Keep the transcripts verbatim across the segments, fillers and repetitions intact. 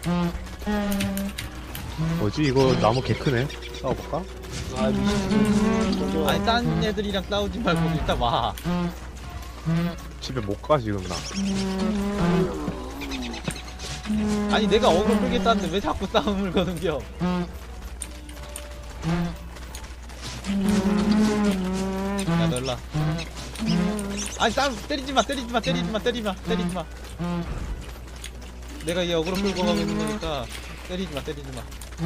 뭐지 이거 나무 개 크네. 싸워볼까? 아 미친. 아니 딴 애들이랑 싸우지 말고 일단 와. 집에 못 가 지금 나. 아니 내가 어그로 끌겠다는데 왜 자꾸 싸움을 거는겨. 야 너 일라. 아니 싸움 때리지마 때리지마 때리지마 때리지마 때리지마. 내가 얘 어그로 끌고 가고 있는 거니까 때리지마 때리지마.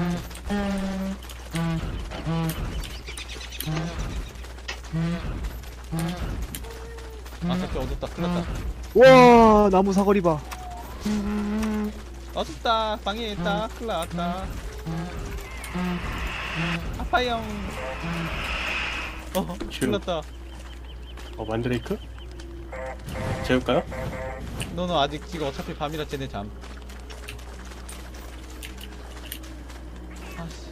아 갑자기 어둡다 큰일났다. 와 나무 사거리 봐. 어둡다 방해했다 큰일났다. 아파요. 어 큰일났다. 어 만드레이크? 재울까요? 너는 아직 지금 어차피 밤이라 쟤네 잠. 아씨.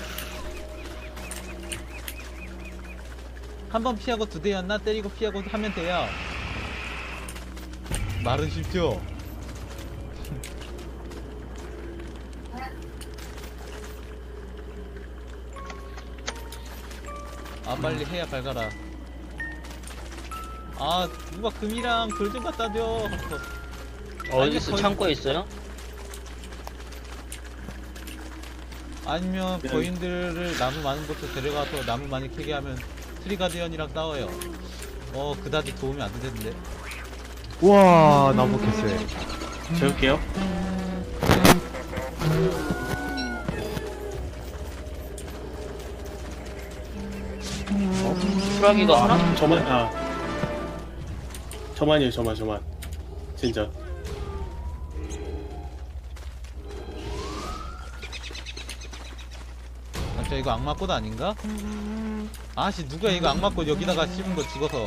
한 번 피하고 두 대였나? 때리고 피하고 하면 돼요. 말은 쉽죠? 아 빨리 해야 밝아라. 아 누가 금이랑 돌 좀 갖다 줘. 어디 있어? 거의- 창고에 있어요? 아니면 네. 거인들을 나무 많은 곳에 데려가서 나무 많이 캐게 하면 트리가디언이랑 싸워요. 어 그다지 도움이 안 되는데. 와 나무 개쎄. 재울게요. 수라기가 하나? 저만 아 저만이에요 저만 저만 진짜. 아, 저 이거 악마꽃 아닌가? 아씨 누가 이거 악마꽃 여기다가 씹은 거 죽어서.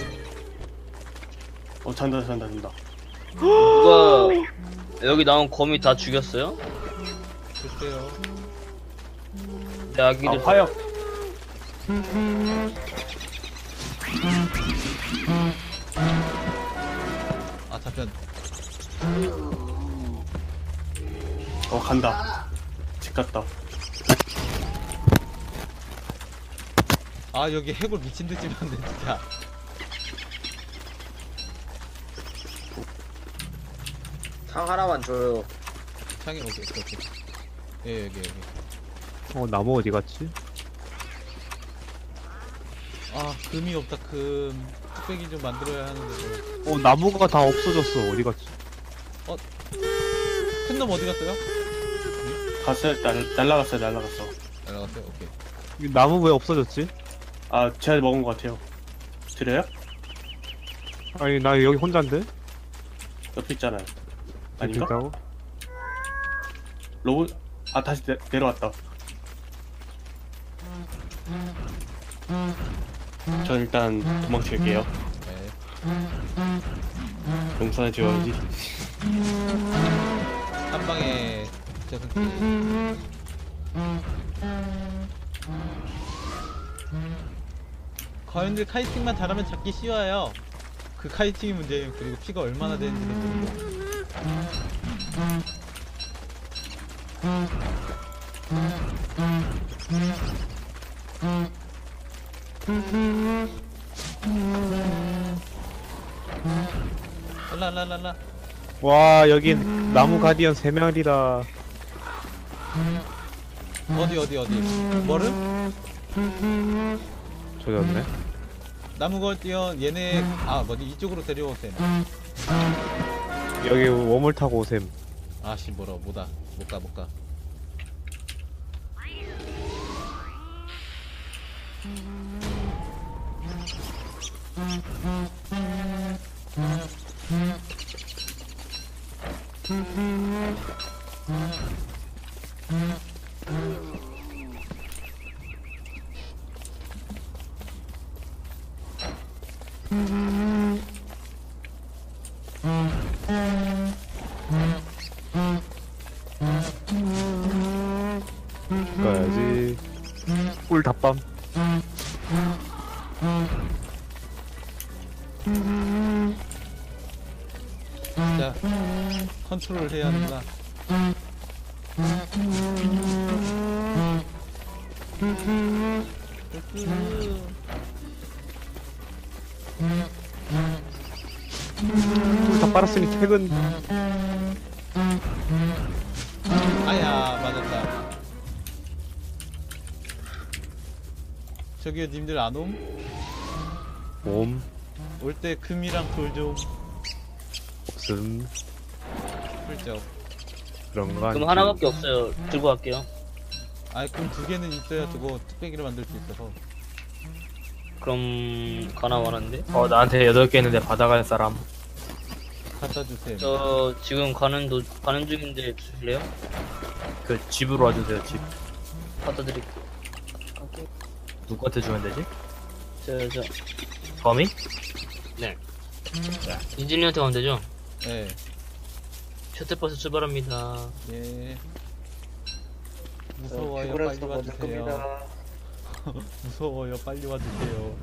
어 잔다 잔다 잔다. 누가 여기 나온 거미 다 죽였어요? 글쎄요. 내 아 아기들 화약. 아 잡혔. 어 간다. 집 갔다. 아 여기 해골 미친듯이 만네 진짜. 상 하나만 줘요. 창에 오케이 오케이 오케이. 예 여기 여기. 어 나무 어디 갔지? 아 금이 없다 금. 뚝배기 좀 만들어야 하는데. 어 나무가 다 없어졌어. 어디 갔지? 큰 놈 어디 갔어요? 갔어요. 날 날라갔어요 날라갔어. 날아갔어요. 오케이. 이 나무 왜 없어졌지? 아 제가 먹은 것 같아요. 드려요? 아니 나 여기 혼자인데? 옆에 있잖아요. 아닌가? 있다고? 로봇 아 다시 내, 내려왔다. 전 일단 도망칠게요. 네. 용산에 지어야지. 한 방에 저승. 거인들 카이팅만 잘하면 잡기 쉬워요. 그 카이팅이 문제예요. 그리고 피가 얼마나 되는지도 모르고. 랄랄랄라. 와 여긴 나무 가디언 세 마리다. 어디 어디 어디. 뭐름? 조졌네. 나무 걸뛰어 얘네 아 뭐지 이쪽으로 데려오세요. 여기 웜을 타고 오셈. 아씨 뭐라 뭐다 못가 못가. 가야지. 꿀 닭밤. 진짜 컨트롤 해야 하는구나. 다 빨았으니 퇴근. 아야 맞았다. 저기요 님들 안 옴? 몸 올 때 금이랑 돌 좀 없음 훌쩍. 그런 거. 그럼 하나밖에 없어요. 들고 갈게요. 아이 금 두 개는 있어야 저거 뚝배기를 만들 수 있어서. 그럼 가나 말았는데? 어 나한테 여덟 개 있는데 받아갈 사람. 갖다 주세요. 저 지금 가는 도 가는 중인데 주실래요? 그 집으로 와주세요. 집. 갖다 드릴게요. 누구한테 주면 되지? 저저 범이? 네. 인진이한테 가면 되죠? 예. 셔틀버스 출발합니다. 예. 무서워요. 빨리 와주세요. 무서워요. 빨리 와주세요.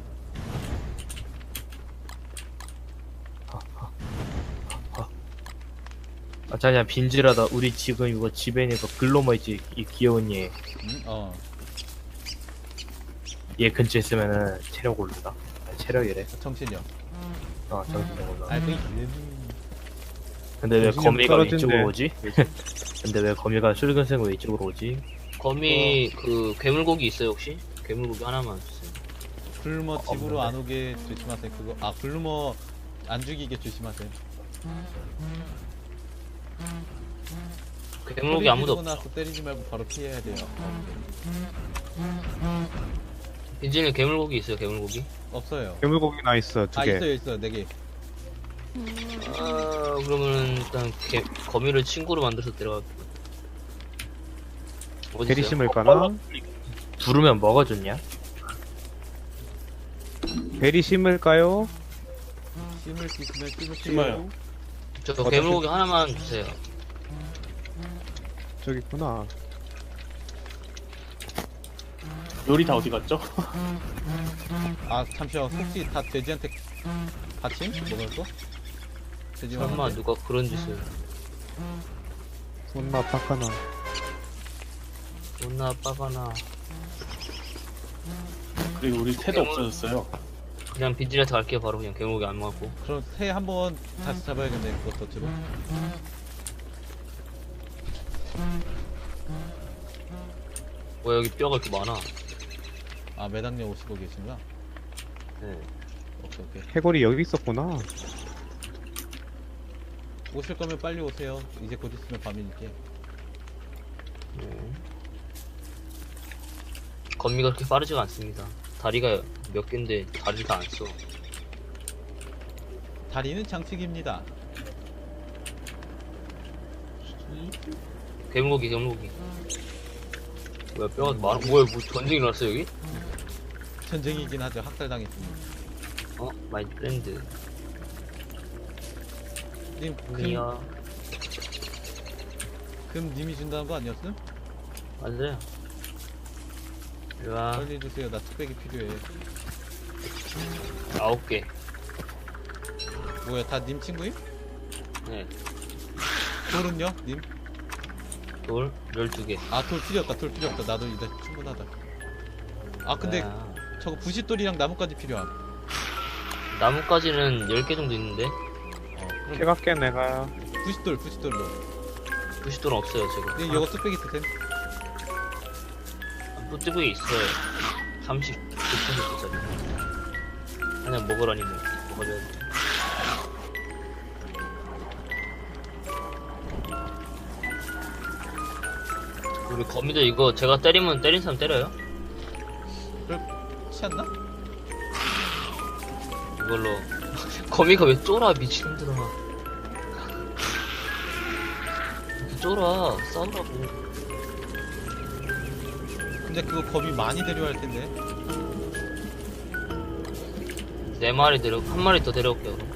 아 자냐 빈질하다 우리 지금 이거 집에 있는 거 글로머 있지 이 귀여운 얘. 응? 어. 얘 근처에 있으면은 체력 오른다. 아니, 체력이래. 정신이요. 어 정신력 올라. 알고 있 근데 왜 정신력 거미가 떨어진대. 왼쪽으로 오지? 근데 왜 거미가 붉은색으로 왼쪽으로 오지? 거미 그 괴물고기 있어요 혹시? 괴물고기 하나만 주세요. 글루머 집으로 없는데. 안 오게 조심하세요. 그거 아 글루머 안 죽이게 조심하세요. 괴물고기 아무도 소리 없어. 지르고 나서 때리지 말고 바로 피해야 돼요. 인진이 괴물고기 있어요 괴물고기? 없어요. 괴물고기 나 있어 두 아 개. 있어요 있어요 네 개. 아 그러면 일단 개, 거미를 친구로 만들어서 데려갈게요. 어디 베리 있어요? 심을까나? 부르면 뭐가 좋냐? 베리 심을까요? 심을 수 있으면 심으세요. 심어요. 저 괴물고기 하나만 주세요. 저기 있구나. 요리 다 어디 갔죠? 아 잠시만 혹시 다 돼지한테 받침? 먹을 거? 돼지 설마 먹을 누가 그런 짓을? 존나 빡하나. 존나 빠가나. 그리고 우리 새도 없어졌어요. 그냥 빈진한테 갈게요 바로 그냥 괴물고기 안 먹고. 그럼 새 한번 다시 잡아야겠네 그것도 지금. 왜 여기 뼈가 이렇게 많아? 아 매당녀 오시고 계신가? 네. 오케이 오케이. 해골이 여기 있었구나. 오실 거면 빨리 오세요. 이제 곧 있으면 밤이니까. 네. 거미가 그렇게 빠르지가 않습니다. 다리가 몇 개인데 다리를 다 안 써. 다리는 장식입니다. 괴물고기 괴물고기. 뭐야 뼈가 많아? 뭐야 뭐 전쟁이 일어났어 여기? 전쟁이긴 하죠. 학살당했습니다. 어? 마이 프렌드. 님, 금, 금이야. 금 님이 준다는 거 아니었음? 맞아요. 일로와. 빨리 주세요. 나 뚝배기 필요해. 아홉 개. 뭐야, 다 님 친구임? 네. 돌은요? 님? 돌 열두 개. 아, 돌 필요 없다. 돌 필요 없다. 나도 이제 충분하다. 아, 근데 아, 저거 부싯돌이랑 나뭇가지 필요함. 나뭇가지는 열 개 정도 있는데 어, 그럼 캐갈게 내가. 부싯돌, 부싯돌로. 부싯돌은 없어요 지금. 님, 이거 뚝배기 쓰셈. 뿌뜨기 있어요. 삼십구 퍼센트짜리. 그냥 먹으라니 뭐 먹어줘야 돼. 우리 거미들 이거 제가 때리면 때린 사람 때려요? 그렇지 않나? 이걸로 거미가 왜 쫄아 미친놈들아. 이렇게 쫄아 싸우라고. 근데 그거 겁이 많이 데려갈 텐데. 네 마리 데려 한 마리 더 데려올게요. 그럼.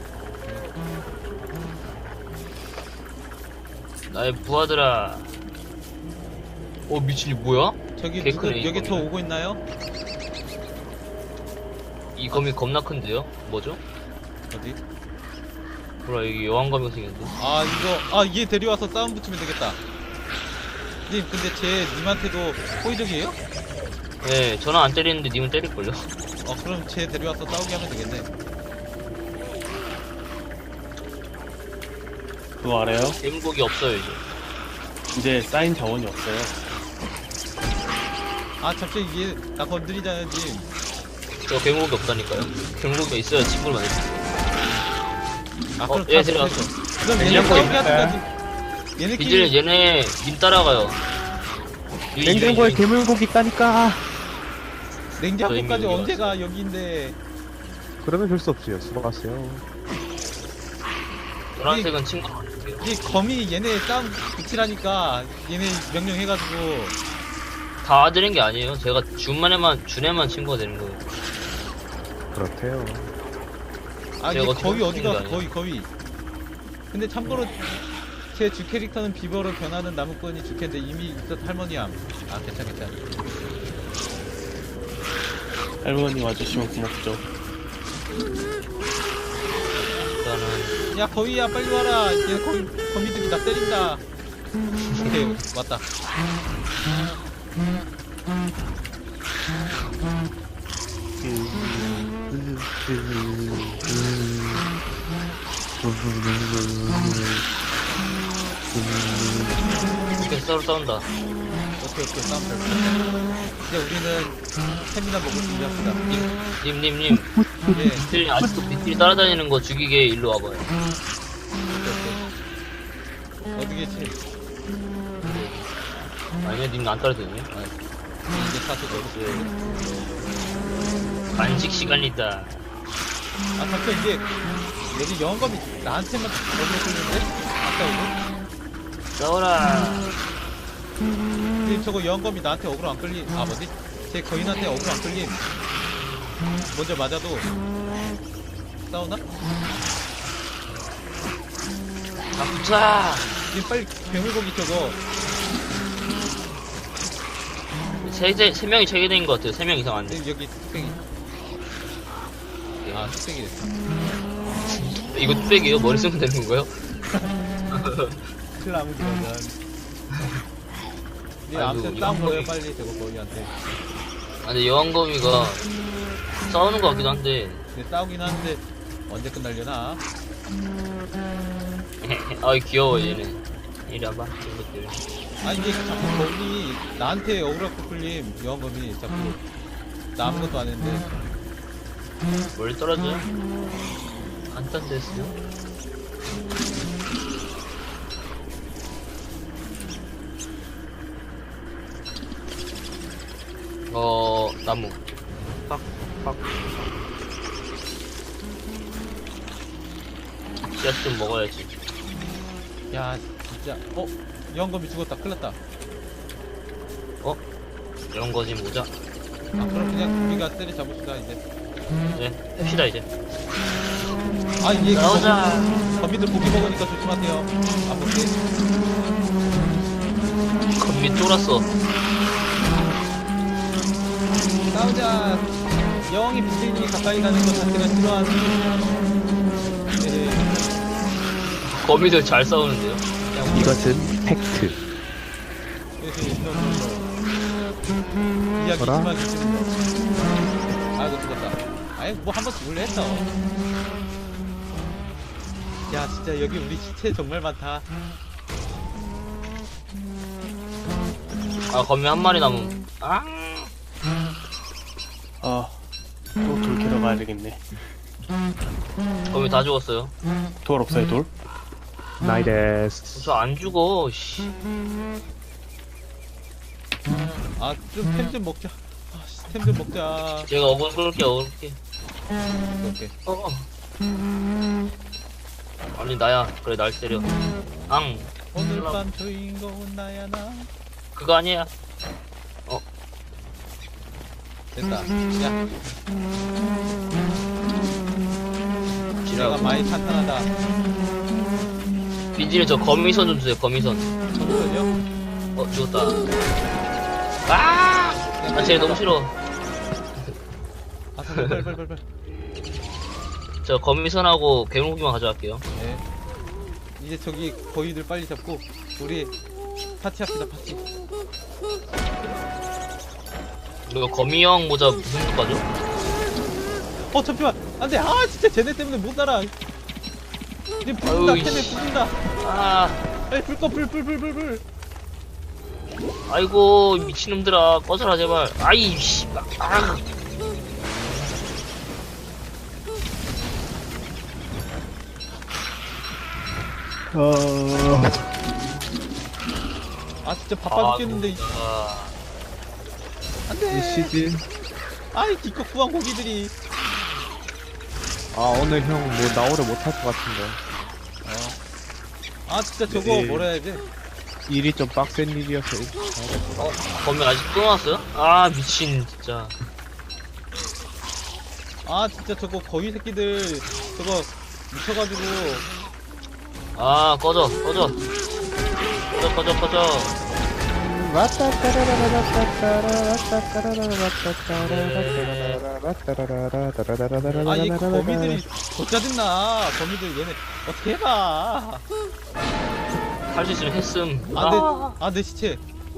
나의 부하들아. 어 미친이 뭐야? 저기 개 누구 크네, 여기 이 저 거미는. 오고 있나요? 이 거미 겁나 큰데요? 뭐죠? 어디? 뭐라 여기 여왕거미가 생겼는데? 아 이거 아 얘 데려와서 싸움 붙이면 되겠다. 님 근데 쟤 님한테도 호의적이에요? 네, 저는 안 때리는데 님은 때릴걸요? 어 그럼 쟤 데려와서 싸우게 하면 되겠네. 그거 알아요? 개물고기 없어요, 이제. 이제 쌓인 자원이 없어요. 아 갑자기 얘 나 건드리잖아요 님. 저 개물고기 없다니까요. 개물고기가 있어야 친구를 만들 수 있어요. 아 어, 그럼 얘 다 데려왔어. 못했어. 그럼 얘네 냉장고 싸우게 있는데. 하든가지. 이제 얘네끼리 얘네 님 따라가요. 유인, 냉장고에 유인, 유인. 괴물고기 있다니까. 냉장고까지 저희 언제 가 여기인데. 그러면 별 수 없지요. 수고하세요. 노란색은 친구를 만들게요. 이 거미 얘네 싸움 붙이라니까 얘네 명령해가지고. 다 되는 게 아니에요. 제가 준만에만, 준에만 친구가 되는 거예요. 그렇대요. 아 제가 이게 어떻게 거위 어디 쓰는 게 가 거위 거위. 근데 참고로 제 주 캐릭터는 비버로 변하는 나무꾼이 주캐인데 이미 있었 할머니암. 아 괜찮 괜찮. 할머니 와주시면 고맙죠. 일단은, 야 거위야 빨리 와라. 얘 거위 거미들이 나 때린다. 오케이 왔다. 이렇게 서로 싸운다. 오케이 오케이 싸움 잘. 이제 우리는 스태미나 먹을 준비합시다. 님, 님, 님. 예. 미필, 아직도 미필 따라다니는 거 죽이게 일로 와봐요. 오케이, 오케이. 어디 계시? 아니면 님 안 따라다니냐? 아, 이제 사실 어디? 간식 시간이다. 아 잠깐 이게 여기 영검이 나한테만 너무 끌리는데? 아까 이거? 싸워라. 근데 저거 영검이 나한테 어그로 안 끌림. 아 뭐지? 제 거인한테 어그로 안 끌림. 먼저 맞아도 싸우나? 아, 붙자. 지금 빨리 괴물고기 저거. 세, 세, 세 명이 체계된 것 같아요. 세 명 이상 안 돼. 지금 여기 뚝배기. 아 뚝배기 됐어. 이거 뚝배기요? 머리 쓰면 되는 건가요? 슬라무 기어전. 네 아이고, 아무튼 이거 싸움 거예요 거기- 빨리 저거 거기한테. 아, 근데 여왕거미가 싸우는 것 같기도 한데. 근데 싸우긴 하는데 언제 끝날려나? 아이, 귀여워, 얘네. 이리 와봐, 이것들. 아 이게 자꾸 거기 나한테 억울하고 끌림 여왕검이 자꾸 나 아무것도 안 했는데. 멀리 떨어져. 간단됐어요. 어, 나무. 팍, 팍. 씨앗 좀 먹어야지. 야 진짜 어? 여왕검이 죽었다 큰일났다. 어? 이런 거지, 모자. 아 그럼 그냥 우리가 때려 잡읍시다 이제. 네, 햅시다, 이제. 아 얘 나오자. 거미들 고기 먹으니까 조심하세요. 안 먹게. 건미 쫄았어. 싸우자. 여왕이 비슬님이 가까이 가는 것 자체가 싫어하는. 네. 거미들 잘 싸우는데요. 이것은 팩트. 그래서 이런 이야기 뭐라? 심하게 쓰는 거. 아이고 죽었다. 아이 뭐 한 번 죽을래 했어. 야 진짜 여기 우리 시체 정말 많다. 아, 거미 한 마리 남음. 아, 아, 또 돌 캐러 가야 되겠네. 거미 다 죽었어요. 돌 없어요, 돌? 나이데스. 저 안 죽어, 씨. 아 좀 템 좀 먹자. 템 좀 먹자. 제가 어글 끌게, 어글 끌게. 오케이. 어. 아니, 나야. 그래, 날 때려. 앙. 오늘 밤 주인공은 나야 나. 그거 아니야. 됐다. 야. 내가 지나가. 많이 탄탄하다. 빈지는 저 거미선 좀 주세요, 거미선. 잠시만요. 어, 죽었다. 아! 아, 쟤 너무 싫어. 아, 빨리 빨리 빨리 빨리. 저 거미선하고 괴물고기만 가져갈게요. 네. 이제 저기 거위들 빨리 잡고 우리 파티합시다 파티. 이거 거미형 모자 무슨 효과죠? 어 잠시만 안돼. 아 진짜 쟤네 때문에 못 날아. 이제 부순다. 아유, 쟤네 이씨. 부순다. 아, 에이 불꺼 불불불불불. 아이고 미친놈들아 꺼져라 제발. 아이 씨. 아. 어... 아 진짜 바빠 죽겠는데. 이- 아, 안돼. 이 시즌. 아이 기껏 구한 고기들이. 아 오늘 형 뭐 나오를 못할 것 같은데. 아 진짜 저거 네. 뭐라 해야 돼? 일이 좀 빡센 일이어서. 어, 거미 아직 또 나왔어요? 아 미친 진짜. 아 진짜 저거 거위 새끼들 저거 미쳐가지고. 아 꺼져 꺼져 꺼져 꺼져 꺼져. 아 이 거미들이 더 짜증나. 거미들 얘네 어떻게 해봐. 할 수 있으면 했음. 아내 아, 아, 내 시체.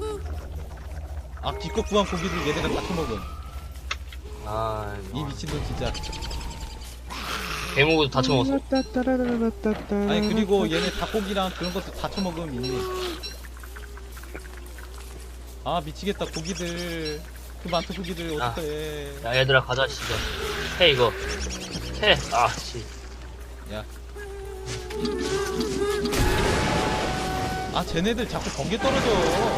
아 기껏 구한 고기들 얘네가 다 처먹음. 아, 이 미친놈 진짜. 개목도 다 처먹었어. 아니 그리고 얘네 닭고기랑 그런 것도 다 처먹음 이미. 아 미치겠다 고기들. 그 많은 고기들 아. 어떡해. 야 얘들아 가자 진짜. 해 이거. 해. 아 씨. 야. 아 쟤네들 자꾸 번개 떨어져.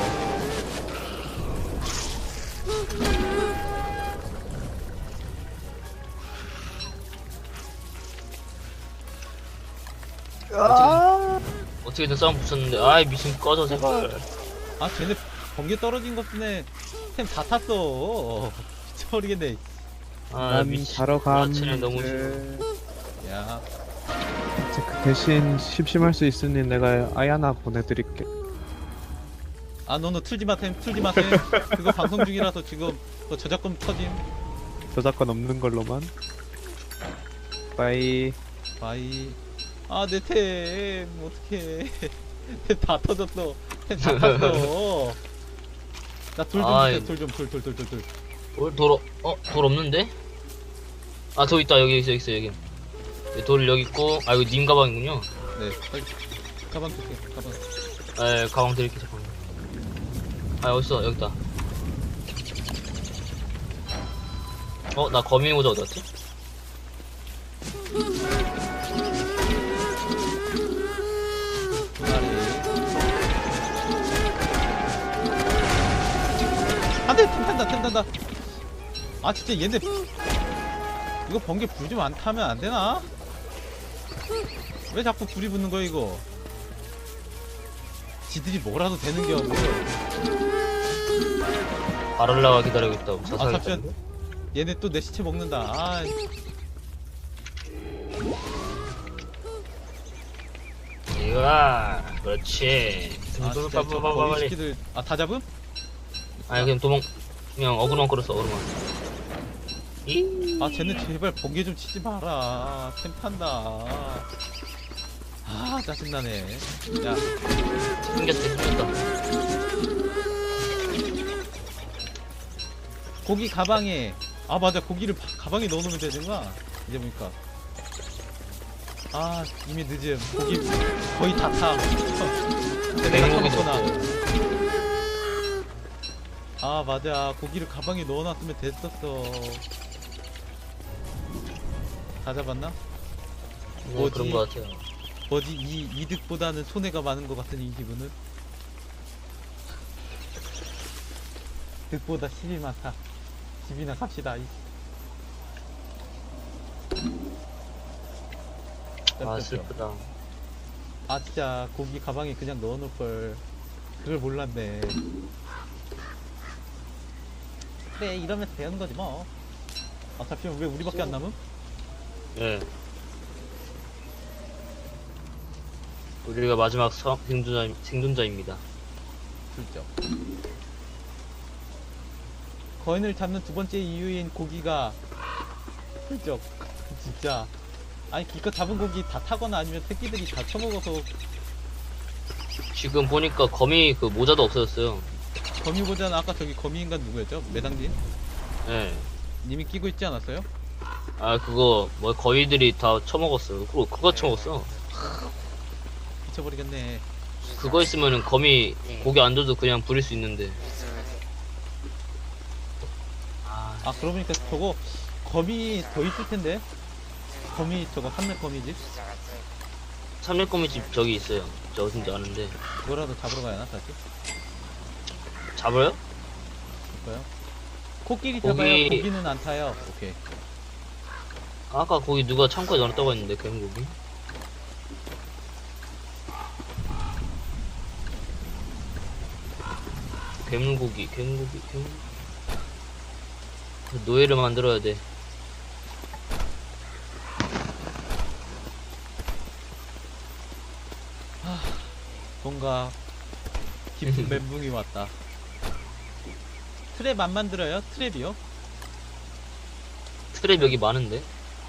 어떻게든 싸움 붙였는데 아이 미친 꺼져 제발. 아 쟤네 번개 떨어진 것 때문에 템 다 탔어. 미쳐버리겠네. 아 난 미친. 자러 감. 쟤는 너무 싫어. 야. 그 대신 심심할 수 있으니 내가 아이 하나 보내드릴게. 아 너너 틀지마 템 틀지마 템. 그거 방송 중이라서 지금 그 저작권 터짐. 저작권 없는 걸로만. 빠이. 바이. 아 내 템 어떡해. 템 다 터졌어. 템 다 탔어. 나돌 좀 아이. 주세요. 돌 좀 돌 돌 돌 돌 돌. 돌, 돌, 어, 어, 돌 없는데? 아, 돌 있다. 여기 있어, 있어, 여기. 네, 돌 여기 있고, 아, 이거 님 가방이군요. 네 빨리 가방 주세요. 가방. 에, 가방 드릴게, 잠깐만. 아, 어딨어, 여기 있다. 어, 나 거미 모자 어디 갔지? 두 마리. 안돼 템 탄다 템 탄다. 아 진짜 얘네 이거 번개 불 좀 안 타면 안 되나? 왜 자꾸 불이 붙는 거야 이거? 지들이 뭐라도 되는겨 뭐. 바랄라가 기다리고 있다고. 아 자살했다. 잠시만. 얘네 또 내 시체 먹는다. 아. 이거야. 그렇지. 아 진짜 저 빠빠빠빠 거위 빨리. 새끼들 아 다 잡음? 아니, 그냥 도망, 그냥 어그로만 끌었어, 어그로만. 이. 아 쟤네 제발 번개 좀 치지 마라. 템 탄다. 아 짜증나네. 야 생겼다, 생겼다. 고기 가방에 아 맞아 고기를 바- 가방에 넣어놓으면 되는구나. 이제 보니까 아 이미 늦음. 고기 거의 다 타. 내가 냉고기 처먹거나. 아 맞아 고기를 가방에 넣어놨으면 됐었어. 다 잡았나? 뭐 뭐지? 그런 거 같아요. 뭐지 이 이득보다는 손해가 많은 것 같은 이 기분은. 득보다 실이 많다. 집이나 갑시다. 이. 아, 슬프다. 아 진짜 고기 가방에 그냥 넣어놓을걸. 그걸 몰랐네. 그래 이러면서 배우는 거지 뭐. 아 잠시만 왜 우리밖에 안 남음? 예. 우리가 마지막 성, 생존자, 생존자입니다. 슬쩍. 거인을 잡는 두 번째 이유인 고기가 슬쩍 진짜. 아니 기껏 잡은 고기 다 타거나 아니면 새끼들이 다 처먹어서 지금 보니까 거미 그 모자도 없어졌어요. 거미 보자는 아까 저기 거미 인간 누구였죠? 매당님? 예. 님이 끼고 있지 않았어요? 아 그거 뭐 거위들이 다 처먹었어요. 그거 그거 처먹었어. 미쳐버리겠네. 그거 있으면은 거미 고기 안 줘도 그냥 부릴 수 있는데. 아 그러고 보니까 저거 거미 더 있을 텐데. 거미 저거 삼렙 거미집? 삼렙거미집 저기 있어요. 저 어딘지 아는데. 그거라도 잡으러 가야 하나 다시? 잡아요? 볼까요? 코끼리 고기- 잡아요. 고기는 안 타요. 오케이. 아까 거기 누가 창고에 넣었다고 했는데 개물고기. 괴물고기, 괴물고기, 괴물. 노예를 만들어야 돼. 뭔가 깊은 멘붕이 왔다. 트랩 안 만들어요? 트랩이요? 트랩 여기 많은데?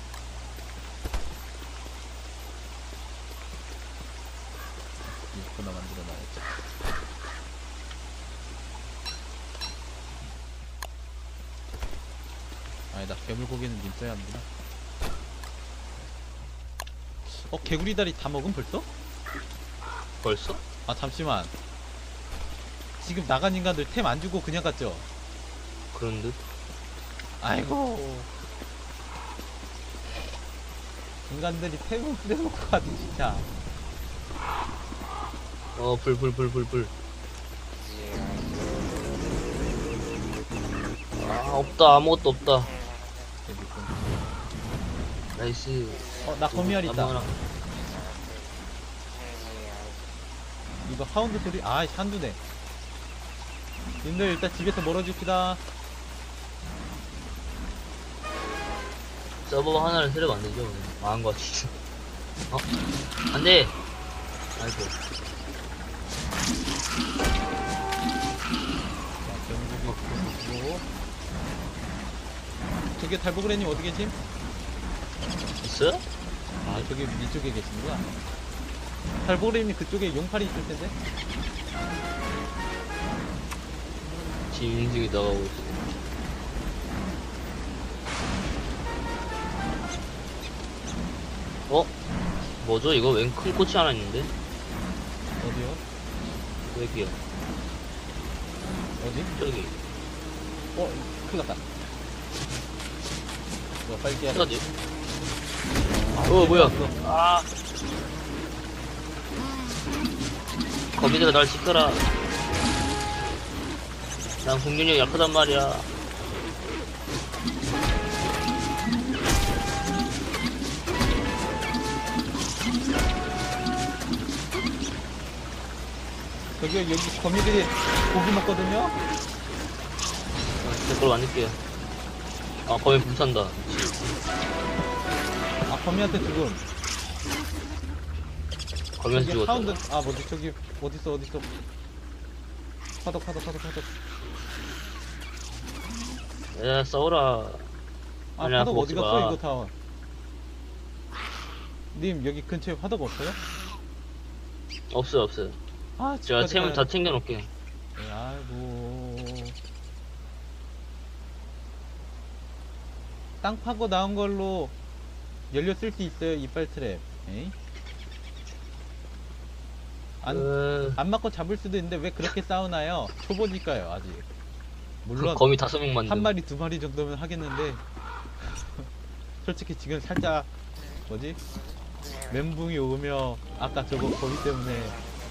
이거나 만들어놔야지. 아니다, 괴물고기는 님 써야 하는구나. 어, 개구리 다리 다 먹은 벌써? 벌써? 아, 잠시만. 지금 나간 인간들 템 안 주고 그냥 갔죠? 그런 듯? 아이고. 인간들이 템을 뿌려놓고 가지, 진짜. 어, 불, 불, 불, 불, 불. 아, 없다. 아무것도 없다. 재밌군. 나이스. 어, 나 거미알 있다. 아무거나. 이거 하운드 소리, 아, 한두네. 님들 일단 집에서 멀어집시다. 서버 하나를 새로 만들죠. 망한 것 같지. 어? 안 돼! 아이고. 자, 경고기 보고. 저기 달보그레님 어디 계심? 있어요? 아, 저기 위쪽에 계시는구나. 달보그레님 그쪽에 용팔이 있을 텐데? 지금 움직이 나가고 있어. 어? 뭐죠? 이거 웬 큰 꽃이 하나 있는데? 어디요? 여기요. 어디? 저기. 어, 큰일 났다. 이거 빨리 깨야 돼. 어디? 어, 뭐야? 아. 거미들아, 날 지켜라. 난 공격력 약하단 말이야. 저기, 여기 거미들이 고기 먹거든요? 댓글 만들게요. 아, 거미 불탄다. 아, 거미한테 죽음. 거미한테 저기 죽었다. 하운드, 아, 뭐지, 저기, 어딨어, 어딨어. 파독, 파독, 파독, 파독. 야, 싸워라. 아, 아니야, 화덕 그거 어디 먹지 갔어, 마. 이거 다. 님, 여기 근처에 화덕 없어요? 없어요, 없어요. 아, 제가 집까지 템을 가야 다 챙겨놓을게요. 돼. 아이고. 땅 파고 나온 걸로 연료 쓸 수 있어요, 이빨 트랩. 에이? 안, 그... 안 맞고 잡을 수도 있는데 왜 그렇게 싸우나요? 초보니까요, 아직. 그 물론, 거미 다섯 명 만든. 한 마리, 두 마리 정도면 하겠는데, 솔직히 지금 살짝, 뭐지? 멘붕이 오며, 아까 저거 거미 때문에,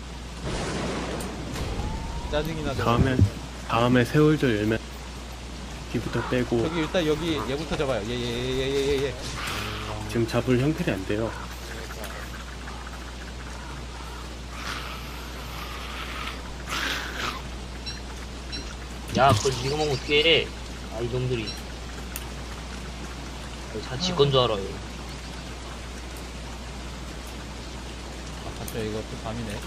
짜증이 나서. 다음에 다음에 세월절 열면 뒤부터 빼고 저기 일단 여기 얘부터 잡아요. 얘, 얘, 얘, 얘, 얘, 얘. 지금 잡을 형편이 안 돼요. 야, 그걸 니가 먹으면 어떡해. 아, 이놈들이. 다 지건 줄 알아요. 아, 봤죠? 이거 또 밤이네.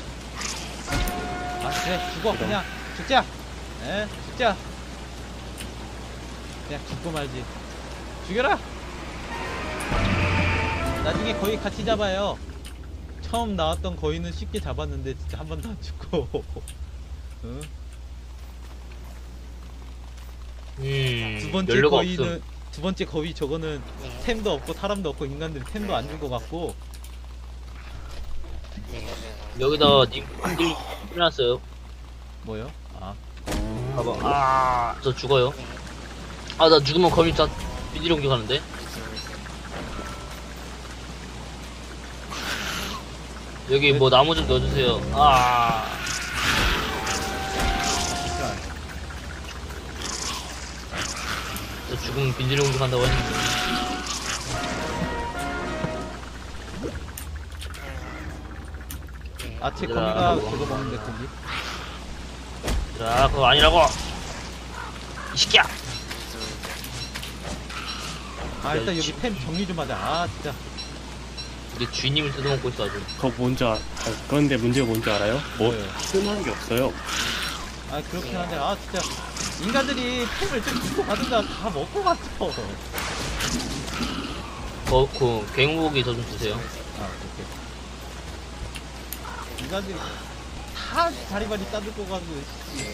아, 그래, 죽어. 그냥 죽자. 에? 죽자. 그냥 죽고 말지. 죽여라! 나중에 거의 같이 잡아요. 처음 나왔던 거인은 쉽게 잡았는데 진짜 한 번도 안 죽고. 응? 음, 두 번째 연료가 거위는 없음. 두 번째 거위 저거는 템도 없고 사람도 없고 인간들이 템도 안 준 것 같고. 여기다 님 일 해놨어요. 뭐요? 아 봐봐. 아, 저 죽어요. 아, 나 죽으면 거미 다 비디로 공격하는데. 여기 뭐 나무 좀 넣어주세요. 아, 진짜. 저 죽으면 비디로 공격한다고 했는데. 아, 제 얘들아, 거미가 뭐. 그거 먹는데 고기. 자, 그거 아니라고. 이 새끼야. 아 일단 여기 템 정리 좀 하자. 아 진짜. 우리 주인님을 뜯어먹고 있어 아주. 그거 뭔지 알, 아, 그런데 문제가 뭔지 알아요? 뭐 뭐예요? 쓸만한 게 없어요. 아 그렇긴 한데 아 진짜 인간들이 템을 좀 주고 가든가 다 먹고 갔어. 거, 그 갱목이 저 좀 주세요. 아 오케이. 인간들이 다 자리바리 따들고 가지고.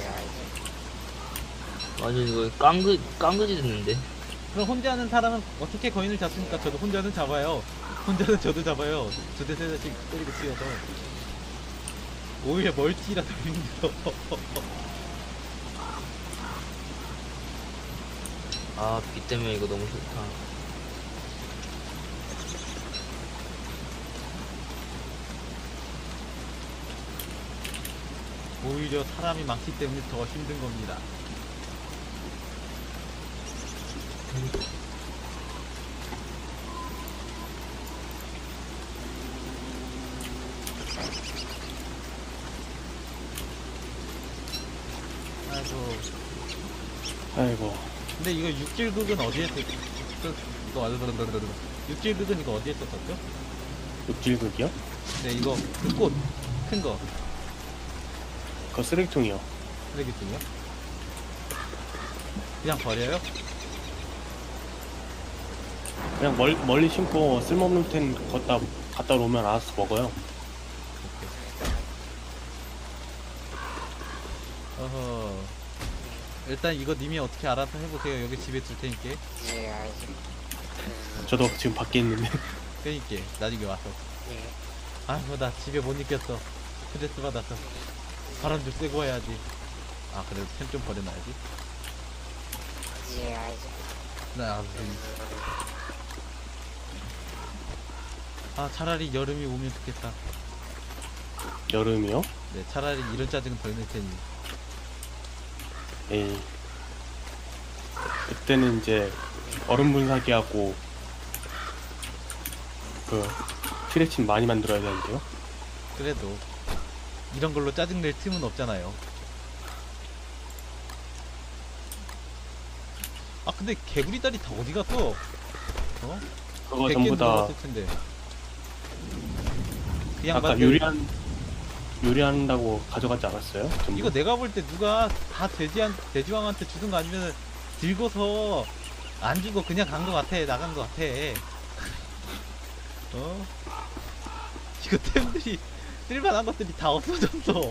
완전 이거 깡그 깡그지 듣는데. 그럼 혼자 하는 사람은 어떻게 거인을 잡습니까? 저도 혼자는 잡아요. 혼자는 저도 잡아요. 두 대 세 대씩 때리고 뛰어서. 오히려 멀티라도 힘들어. 아, 비 때문에 이거 너무 좋다. 오히려 사람이 많기 때문에 더 힘든 겁니다. 아이고. 아이고. 근데 이거 육질극은 어디에 썼? 이거 알르르르르르. 육질극은 이거 어디에 썼었죠? 육질극이요? 네 이거 그 꽃 큰 거 그거 쓰레기통이요. 쓰레기통이요? 그냥 버려요? 그냥 멀, 멀리 심고 쓸모없는 템 걷다 갖다 놓으면 알아서 먹어요. 어허. 일단 이거 님이 어떻게 알아서 해보세요. 여기 집에 둘 테니까. 저도 지금 밖에 있는데. 그니까 나중에 와서. 아이고 나 집에 못 있겠어. 스트레스 받아서. 바람 좀 쐬고 와야지. 아 그래도 템 좀 버려놔야지. 나 아 차라리 여름이 오면 좋겠다. 여름이요? 네 차라리 이런 짜증은 덜 낼 테니. 에이. 그때는 이제 얼음 분사기하고 그 티레친 많이 만들어야 되는데요. 그래도 이런 걸로 짜증 낼 틈은 없잖아요. 아 근데 개구리 다리 다 어디 갔어? 어? 그거 백 전부 개는 다 들어갔을 텐데. 그 아까 양반 요리한 요리한다고 가져가지 않았어요? 전부? 이거 내가 볼 때 누가 다 돼지한 돼지왕한테 주든 거 아니면 들고서 안 주고 그냥 간 거 같아. 나간 거 같아. 어? 이거 템들이 쓸만한 것들이 다 없어졌어.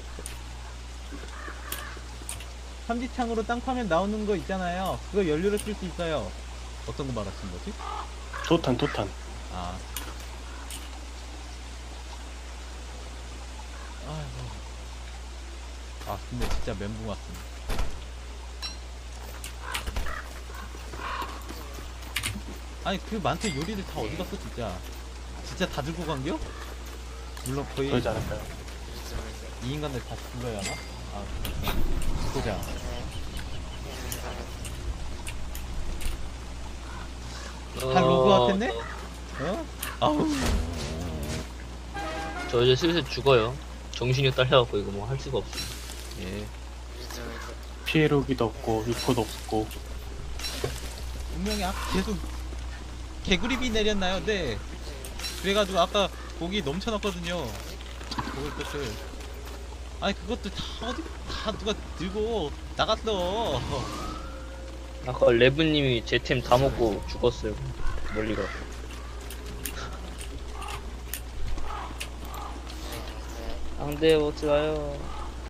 삼지창으로 땅 파면 나오는 거 있잖아요. 그거 연료로 쓸 수 있어요. 어떤 거 말하시는 거지? 토탄 토탄. 아. 아이고. 아 근데 진짜 멘붕 왔습니다. 아니 그 많대 요리들 다 어디 갔어 진짜. 진짜 다 들고 간겨? 물론 거의 그러지 않을까요? 이 인간들 다시 불러야 하나? 아 보자. 다 로그아웃 했네? 어? 아우. 저 이제 슬슬 죽어요. 정신이 딸려갖고 이거 뭐 할 수가 없어. 예. 피해로기도 없고 유포도 없고. 분명히 아까 계속 개구리비 내렸나요? 네. 그래가지고 아까 고기 넘쳐났거든요. 먹을 것을. 아니 그것들 다 어디 다 누가 들고 나갔어. 아까 레브님이 제 템 다 먹고 죽었어요. 멀리 가. 앙대 먹지 마요.